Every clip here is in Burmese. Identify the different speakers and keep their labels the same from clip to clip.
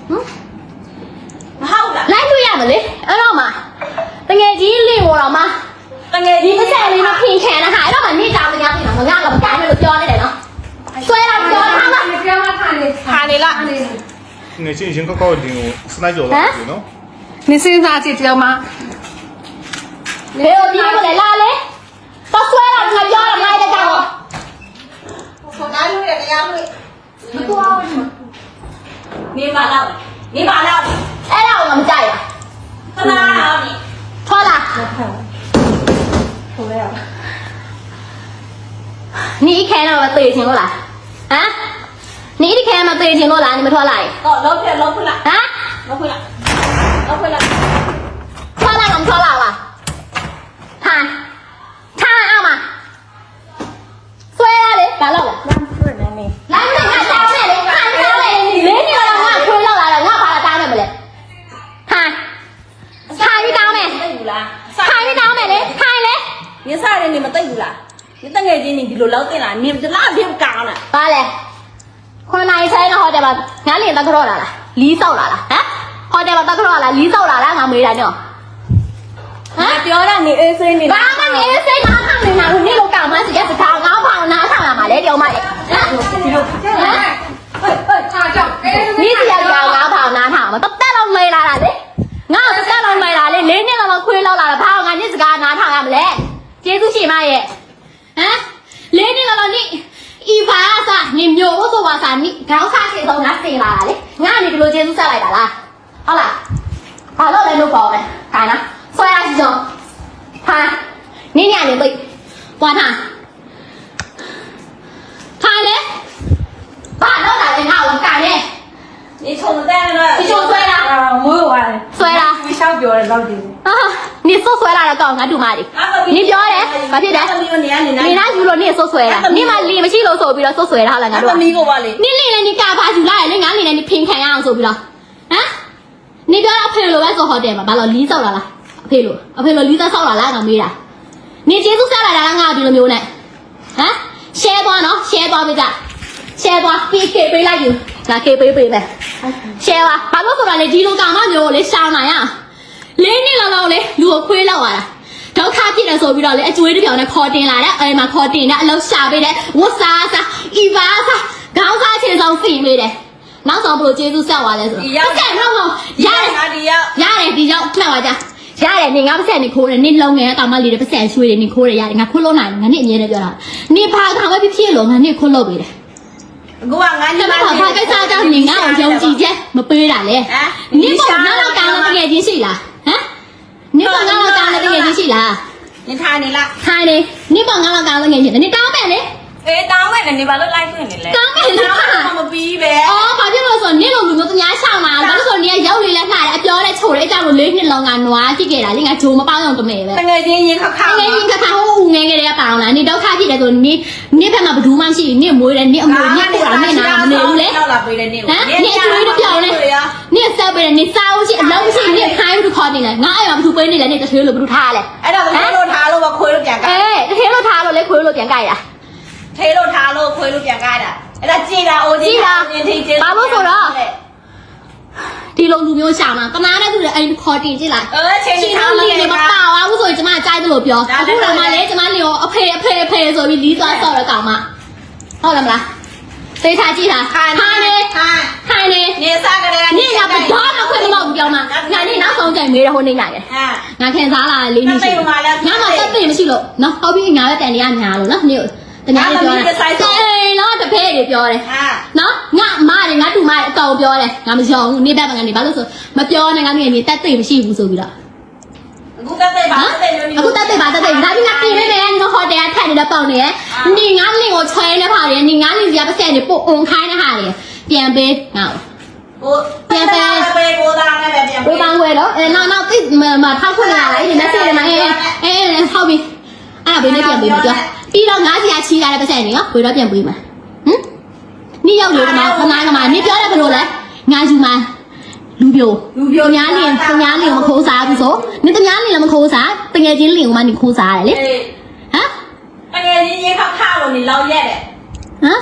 Speaker 1: ဟုတ်လား
Speaker 2: လိုက်လို့ရမလဲအဲ့တော့မှတကယ်ကြီးလင့်ပေါ်တော့မှတကယ်ကြီးတစ်ဆက်လေးမပြင်ခံတာဟာအဲ့တော့မှနေကြမရပြင်တော့ငါကမကိုင်းလို့ပြောနေတယ်နော်ဆွဲတော့ပြောထားမှာပြောထားနေလား
Speaker 3: 你进行个高点，是哪九了？喏。
Speaker 1: 你身上去知道吗？
Speaker 2: လေဒီကိုလေလာလေတော့ဆွဲတော့ငါပြောတော့လိုက်တဲ့ကောင်
Speaker 1: 我哪有人家会？
Speaker 2: မတော်ဘူး
Speaker 1: 你把那，你把那，
Speaker 2: အဲ့ဒါကိုငါမကြိုက်
Speaker 1: 他哪有你？
Speaker 2: ဘူးထွက်လာ你一看到我对清了啊你一看到对清了你们ထွက်来
Speaker 1: 哦，老回来，老回来，
Speaker 2: 啊
Speaker 1: 老回来，老回来。
Speaker 2: ထွက်လာတော့ထွက်လာပါထိုင်ထိုင်အောင်ပါဆွဲရလေဘာလို့လဲလမ်းဖွင့်နေနေလမ်းဖွင့်ငါတောင်းနေလေထိုင်တောင်းနေလေးနေတော့ငါခွေးလောက်လာတော့ငါဘာလာတောင်းနေမလဲထိုင်ထိုင်ပြီးတောင်းမယ်
Speaker 1: 对不啦？
Speaker 2: ထိုင်ပြီးတောင်းမယ်လေထိုင်လေ
Speaker 1: 你啥人你们对不啦？你等下子你就老对啦，你就哪边讲了？
Speaker 2: ဘာလဲခွန်နိုင်ဆိုင်တော့ဟိုတယ်မှာငါလင်တက်ကြော့လာလားလီးဆောက်လာလားဟမ်ဟိုတယ်မှာတက်ကြော့လာလီးဆောက်လာလားငါမေးတာညောဟမ်
Speaker 1: ပြောတာနေအေးစိမ့်နေ
Speaker 2: ဘာမှနေစိတ်နားထောင်နေတာကိုနေ့လိုကောင်မှစရက်စကားငါဖောင်နားထောင်လာမှာလေတယောက်မလေးဟမ်นี่สิยาวငါဖောင်နားထောင်မှာတက်လောက်မေးလာတာလေငါတက်လောက်မေးလာလေ၄နှစ်လောက်ခွေးလောက်လာတာဘာငါညစ်စကားနားထောင်ရမလဲကျေးဇူးရှင်မရဲ့ဟမ်၄နှစ်လောက်နိဤဘာသာနိမျိုးဆိုပါစာနိခေါင်းစားချေဆုံးငါစင်လာတာလေငါနေဒီလိုကျေးဇူးဆက်လိုက်တာလားဟုတ်လားဘာလို့လဲလို့ပေါ့မယ်ခိုင်းလားဆွဲရစီဆုံးဟာနင်းညနေပိတ်ပွားထားထိုင်လေဘာလို့လာလဲငါ့ကိုကန်နေ
Speaker 1: 你冲在那，
Speaker 2: 你冲摔了
Speaker 1: 没有啊，
Speaker 2: 摔了
Speaker 1: 你想表的老弟，
Speaker 2: 啊你说摔了ကောင်ငါတူမလေး你ပြောတယ်ဘာဖြစ်လဲ你拿ယူလို့你ဆိုဆွဲတာ你မလီမရှိလို့ဆိုပြီးတော့ဆိုဆွဲတာဟုတ်လားငါတို့
Speaker 1: 你个吧哩，
Speaker 2: 你လီလည်း你ကာပါယူလာတယ်လေငါလီလည်း你ဖင်ခံရအောင်ဆိုပြီးတော့ဟမ်你ပြောအဖေလိုပဲဆိုဟိုတယ်မှာဘာလို့လီးဆောက်လာလားအဖေလိုလီးသားဆောက်လာလားငါမေးတာ你ကျေးဇူးဆက်လာတာငါဒီလိုမျိုးနဲ့ဟမ် share သွားနော် share သွားပေးကြ share သွား PK ပေးလိုက်ယူငါ K ပေးမယ် share ပါဘာလို့ဆိုတာလဲဒီလိုကောင်မမျိုးလေရှောင်းနိုင်ရ၄နှစ်လောက်လေလူကိုခွေးလောက်လာတာဒုက္ခဖြစ်တယ်ဆိုပြီးတော့လေအကျွေးတစ်ပြောင်နဲ့ခေါ်တင်လာတဲ့အဲ့မှာခေါ်တင်တဲ့အလုံးရှာပေးတဲ့ဝတ်စားစားဤပါစားခေါင်းစားချေဆောင်စီပေးတယ်နောက်ဆုံးဘလို့ကျေးဇူးဆက်သွားလဲဆိုတော့ဆက်နောက်ဆုံးရတယ်ဒီရောက်မှတ်ပါကြရတယ်နေငါပတ်ဆက်နေခိုးတယ်နေလုံငယ်တောင်မလေးတွေပတ်ဆက်ရွှေတယ်နေခိုးတယ်ရတယ်ငါခိုးလို့နိုင်တယ်ငါနေအမြဲတမ်းပြောတာနေဖာကောင်ပဲဖြစ်လို့ငါနေခိုးလို့ပေးတယ်
Speaker 1: 我俺你
Speaker 2: ဘာကိစ္စကြောင့်နေငါ့ကိုယုံကြည်ချက်မပေးတာလေနေပေါ်ငါတော့ကောင်းတဲ့တကယ်ချင်းရှိလားဟမ်နေပေါ်ငါတော့ကောင်းတဲ့တကယ်ချင်းရှိလား
Speaker 1: 你看你啦，
Speaker 2: ထိုင်နေနေပေါ်ငါတော့ကောင်းတဲ့တကယ်ချင်းနေတောင်းမယ်လေ
Speaker 1: 哎，当晚了你把那来回你嘞，
Speaker 2: တောင်းမယ်လေ
Speaker 1: 他们比呗，
Speaker 2: အော်ဘာဖြစ်လို့ဆိုနေလိုလူမျိုးသူများရှောင်းလာဘာလို့ဆိုနေရောက်လေလက်လှတယ်အပြောတဲ့ချိုတဲ့အကြောင်းကို၄နှစ်လုံးကနွားကြည့်ခဲ့တာလေငါဂျိုမပေါင်းအောင်တမဲပဲ
Speaker 1: 等下子你看看，
Speaker 2: ငယ်ကြီးခါခါဟိုဦးငယ်ငယ်တွေကပေါင်းလာနေဒုက္ခဖြစ်တယ်ဆိုနေဖက်မှာဘယ်သူမှမရှိနေမွေးတယ်နေအမွေနေပို့တာနေနာမနေဘူးလေဟမ်နေအကျွေးတစ်ပြောင်းလေနေဆက်ပေးတယ်နေစားဦးရှိအလုံးရှိနေခိုင်းဘူးခေါ်နေလေငါအဲ့မှာဘယ်သူပေးနေလဲနေတထေးလို့ဘယ်သူထားလဲ
Speaker 1: အဲ့ဒါခွေးလို့ထားလို့မခွေးလို့ပြန်ကြိုက်
Speaker 2: အေးတထေးလို့ထားလို့လေခွေးလို့ပြန်ကြိုက်တာ
Speaker 1: ထေးလို့ထားလို့ခွေးလို့ပြန်ကြိုက်တာအဲ့ဒါကြည်တာအိုးကြည်တာ
Speaker 2: ဘာလို့ဆိုတော့ဒီလိုလူမျိုးရှာမှာကမားနဲ့သူတွေအိမ်ခေါ်တင်ကြည့်လိုက်
Speaker 1: ချင်း
Speaker 2: ထားလို့နေမပါဘူးဆိုရင်ကျမကြိုက်တယ်လို့ပြောအခုတော့မှလေကျမလီကိုအဖေဆိုပြီးလီးသွားဆော့တော့ကောင်မဟုတ်လားမလားသေချာကြည့်တာခိုင်းနေ
Speaker 1: နေစားကြတယ်
Speaker 2: နေရပါတော့မခွင့်မလို့ပြောမှာငါနေနောက်ဆုံးကြိုင်မေးတော့ဟိုနေနိုင်တယ်ငါခင်စားလာ၄နှစ်ရှိငါမှတက်သိမရှိလို့နော်ဟုတ်ပြီငါပဲတန်နေရညာလို့နော်နေတညာပြောတယ်နော်တဖဲတွေပြောတယ်နော်ငါမတွေငါတူမအကောင်ပြောတယ်ငါမယုံဘူးနေဘက်မှာငါနေဘာလို့ဆိုမပြောနဲ့ငါနေတက်သိမရှိဘူးဆိုပြီးတော့
Speaker 1: အခုတက်သိပါတက်သိ
Speaker 2: ဒါပြီးငါပြင်နေတယ်ငါဟိုတယ်ထက်နေတဲ့ပေါင်နေနေငါလင်ကိုချွဲနေပါလေနေငါလင်စီကပတ်စံနေပို့အုံခိုင်းနေဟာလေပြန်ပေးငါ
Speaker 1: ကိုပြန်ပေးကိုသားနဲ့ပဲပြန်ပေး
Speaker 2: ကိုသားဝဲတော့နောက်သိမထောက်ခွင့်လာလေဒီ message တွေမှာဟုတ်ပြီအဲ့ဘေးနဲ့ပြန်ပေးမပြောပြီးတော့ငါးစီကချီးလာတဲ့ပတ်စံနေရောဘယ်တော့ပြန်ပေးမှာဟမ်နေရောက်လို့ကမှခဏကမှနေပြောတယ်ဘယ်လိုလဲငါယူမှာလူပြိုများလင်မခိုးစားဘူးဆိုနေတများလင်လည်းမခိုးစားတကယ်ချင်းလင်ကမှနေခိုးစားတယ်လေဟမ်
Speaker 1: တကယ်ချင်းရေခါလို့နေလောက်ရက်တယ်
Speaker 2: ဟမ်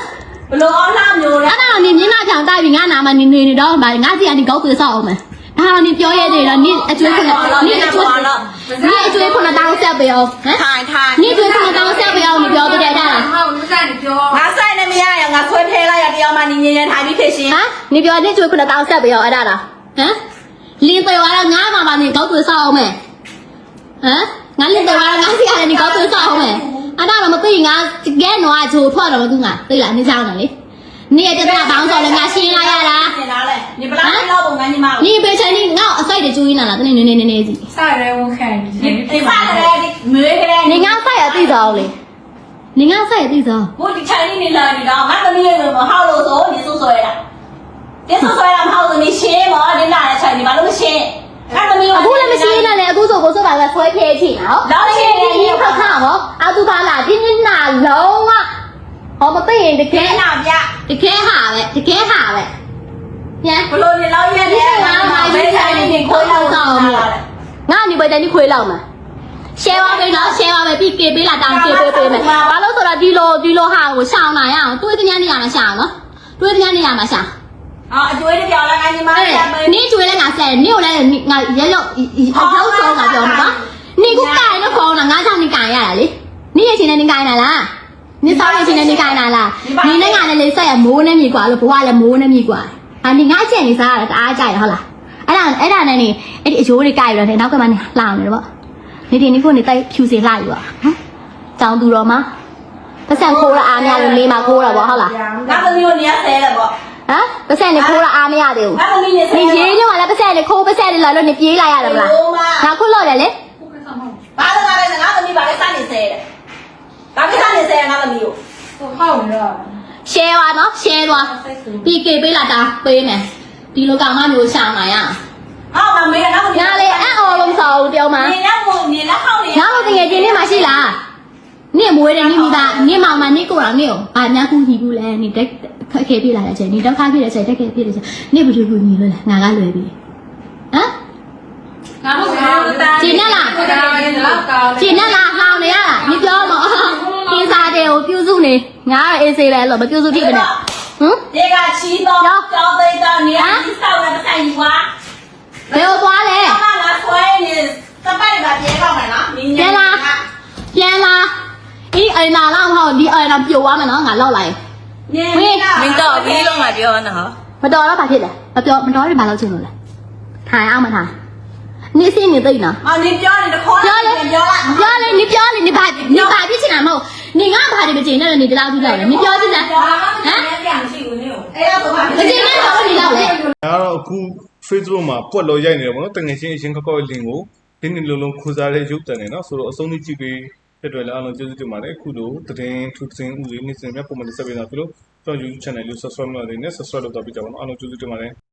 Speaker 1: ဘလို့အောင်လှမျိုးလဲ
Speaker 2: အဲ့ဒါနေမျက်နှာဖြောင်တိုက်ပြီးငါနာမနေနေတော့ငါစီကနေကောက်သွေးဆောက်အောင်မယ်ဒါတော့နေပြောရသေးတယ်နေအကျွေးခုနနေအကျွေးခုနတောင်းဆက်ပေးအောင်ဟမ်
Speaker 1: ထိုင်ထိုင်
Speaker 2: နေကျွေးခုနတောင်းဆက်ပေးအောင်နေပြောတဲ့အဲ့ဒါ
Speaker 4: ဟောမဆိုင်နေပြော
Speaker 1: ငါဆိုင်နေမရရငါဆွဲထဲလိုက်ရတရားမှနေငင်းထိုင်ပြီးဖြစ်ရှင်
Speaker 2: ဟမ်နေပြောနေကျွေးခုနတောင်းဆက်ပေးအောင်အဲ့ဒါလားဟမ်လင်းပေသွားတော့ငါမှနေကောက်သွေးဆောက်အောင်မယ်ဟမ်ငါလင်းပေသွားတော့ငါစီကနေကောက်သွေးဆောက်အောင်မယ်အဲ့ဒါတော့မသိငါတကယ်တော့အချိုထွက်တော့သူငါသိလားနေချောင်းတယ်လေနေပြတာဘောင်းဆိုလည်းငါရှင်းလိုက်ရတာ
Speaker 1: နေလားလေနေပလားလောက်ပုံငန်းညီမ
Speaker 2: နေပေချင်နေငါအစိုက်တကျူးရင်းလာတနေနေစီ
Speaker 4: ဆိုင်ရဲဝန်ခံနေ
Speaker 1: ဒီဖားတယ်ဒီမွေးကလေး
Speaker 2: နေငါဆိုင်ရသိစားအောင်လေနေငါဆိုင်ရသိစား
Speaker 1: ဘုဒီချိုင်နေလာနေတော့ငါသမီးရဲ့မဟောက်လို့ဆိုနေဆိုဆွဲတာဒီဆိုဆွဲတာမဟုတ်ဘူးနေရှင်းမောဒီလာတဲ့ချိုင်ဒီဘာလို့မရှင်းငါသမီး
Speaker 2: အခုလည်းမရှိနေလေအခုဆိုကိုဆိုပါကဆွဲခဲချင်နော်
Speaker 1: လောက်ရှင်းနေ
Speaker 2: ဒီခါခါဟောအတူပါလားဒီနေ့နာလုံးဝဟောမသိရင်တက
Speaker 1: ကဲ
Speaker 2: ယ်
Speaker 1: နာပြ
Speaker 2: တကယ်ဟာပဲတကယ်ဟာပဲပြန်
Speaker 1: ဘလို့နေလောက်ရတယ်ငါမဘေးချိုင်နေကိုလောက်ဆောင်လို့
Speaker 2: ငါနေပဲတည်းခွေးလောက်မှာ share ပါမယ်နော် share ပါမယ်ပြီးကေပေးလာတောင်းကေပေးပေးမယ်ဘာလို့ဆိုတော့ဒီလိုဟာကိုရှောင်းလာရအောင်တွေးတဲ့ညနေရမှာရှောင်းနော်တွေးတဲ့ညနေရမှာရှောင်း
Speaker 1: အော်အကျွေးတစ်ပြောင်းလာငါညီမလေး
Speaker 2: နေကျွေးလဲငါဆက်နေကိုလည်းငါရဲရောက်အထောက်ဆုံးငါပြောမှာနော်နေကူကိုင်တော့ခေါင်းတာငါကြောင့်နေကိုင်ရတာလေနေရချင်းနဲ့နေကိုင်တာလားနေစောင်းရချင်းနဲ့နေကိုင်တာလားနေနဲ့ငါနဲ့လေဆက်ရမိုးနဲ့မြေကွာလို့ဘဝလည်းမိုးနဲ့မြေကွာနေငါချက်နေစားရတာတအားကြိုက်ရဟုတ်လားအဲ့ဒါနဲ့နေအဲ့ဒီအယိုးတွေကိုင်ရတော့နောက်ကမှနေလှအောင်နေတော့နေဒီနေ့ကိုနေတိုက်ဖြူစင်လှယူပါဟမ်ကြောင်သူတော်မှာပတ်စံခိုးရအားမရလို့လေးမှာခိုးတာပေါ့ဟုတ်လား
Speaker 1: ငါသမီးကိုနေရဆဲတယ်ပေါ့
Speaker 2: ဟမ်ပတ်စံနေခိုးရအားမရသေးဘူး
Speaker 1: ငါသမီးနေဆဲ
Speaker 2: နေရေးညောင်းလည်းပတ်စံနေခိုးပတ်စံနေလာလို့နေပြေးလိုက်ရတယ်မလားငါခုလို့တယ်လေ
Speaker 1: ဘာလို့ငါလဲငါသမီးဘာလဲစနေဆဲတယ်ဘာဖြစ်စနေဆဲငါသမီးကို
Speaker 4: ဟောနေတော့
Speaker 2: share ပါနော် share သွားပြီးကေပေးလာတာပေးမယ်ဒီလိုကောင်မမျိုးရှောင်းလာရ
Speaker 1: အော်မမေးငါသမီး
Speaker 2: ငါလေအံ့အော်လုံးဆောင်တယောက်မှာ
Speaker 1: နေရမို့နေလက်ဟောက်နေ
Speaker 2: ငါတို့တကယ်ချင်းနေမှာရှိလားနေမွေးတယ်နေမိသားနေမောင်မနေကိုတော်နေကိုဘာများကူညီဘူးလဲနေတက်ခက်ခဲပြလာတဲ့အချိန်နေတော့ခါပြတဲ့အချိန်တက်ခဲပြတဲ့အချိန်နေဘယ်လိုကူညီလို့လဲငါကလွယ်ပြီဟမ်
Speaker 4: ငါတို့က
Speaker 2: ကျင်းနဲ့လား
Speaker 4: ဒါရင်းတော့ကောင်း
Speaker 2: ကျင်းနဲ့လားဟောင်းနေရလားနေပြောတော့ကိစားတဲ့ကိုပြုစုနေငါအေးစေးပဲလို့မပြုစုဖြစ်မနဲ့ဟမ်
Speaker 1: ဒီကချီတော့ကြောင်းသိတော့နေရာကြီးဆောက်ရတဲ့ဆိုင်ကြီးကွာ
Speaker 2: ဘယ်ကိုသွားလဲ
Speaker 1: ငါဆွဲနေစပိုက်ကပြေတော့မယ်နော်
Speaker 2: ပြန်လာအေးအိမ်လာတော့ဟောဒီအိမ်တော့ပြိုသွားမယ်နော်ငါလောက်လိုက်
Speaker 1: မင်းတော့ပြီးလုံးမှာပြောနော်
Speaker 2: မတော်တော့ဘာဖြစ်လဲမတော်ရင်ဘာလုပ်ချင်လို့လဲထိုင်အောင်မထိုင်နေစင်းနေသိနော်
Speaker 1: အော်နေပြောနေတခေါ်
Speaker 2: ပြောလေ
Speaker 1: ပြောလိုက်
Speaker 2: ပြောလေနေပြောလေနေဘာဖြစ်ချင်တာမဟုတ်နေငါဘာတွေမကျင်နဲ့နေတလောက်ကြည့်လိုက်လေနေပြောကြည့်စမ်း
Speaker 1: ဟမ်ပြန်မရှိဘူးနေအဲ့တော့ဘာ
Speaker 2: မကျင်နဲ့တော့နေလောက်လေ
Speaker 3: ဒါတော့အခု Facebook မှာပွက်လို့ရိုက်နေတယ်ပေါ့နော်တငယ်ချင်းအချင်းခောက်ခောက်လင်ကိုဒီနေ့လုံးလုံးခူစားတဲ့ရုပ်တံနေနော်ဆိုတော့အဆုံးထိကြည့်ပေးတဲ့အတွက်လည်းအားလုံးကျေးဇူးတင်ပါတယ်အခုလိုသတင်းထူးသတင်းဥစဉ်နေ့စဉ်များပုံမှန်တက်ပေးတာဖြစ်လို့ကျွန်တော် YouTube channel လေး subscribe လုပ်နေနဲ့ subscribe လုပ်တော့ပြကြပါဦးအားလုံးကျေးဇူးတင်ပါတယ်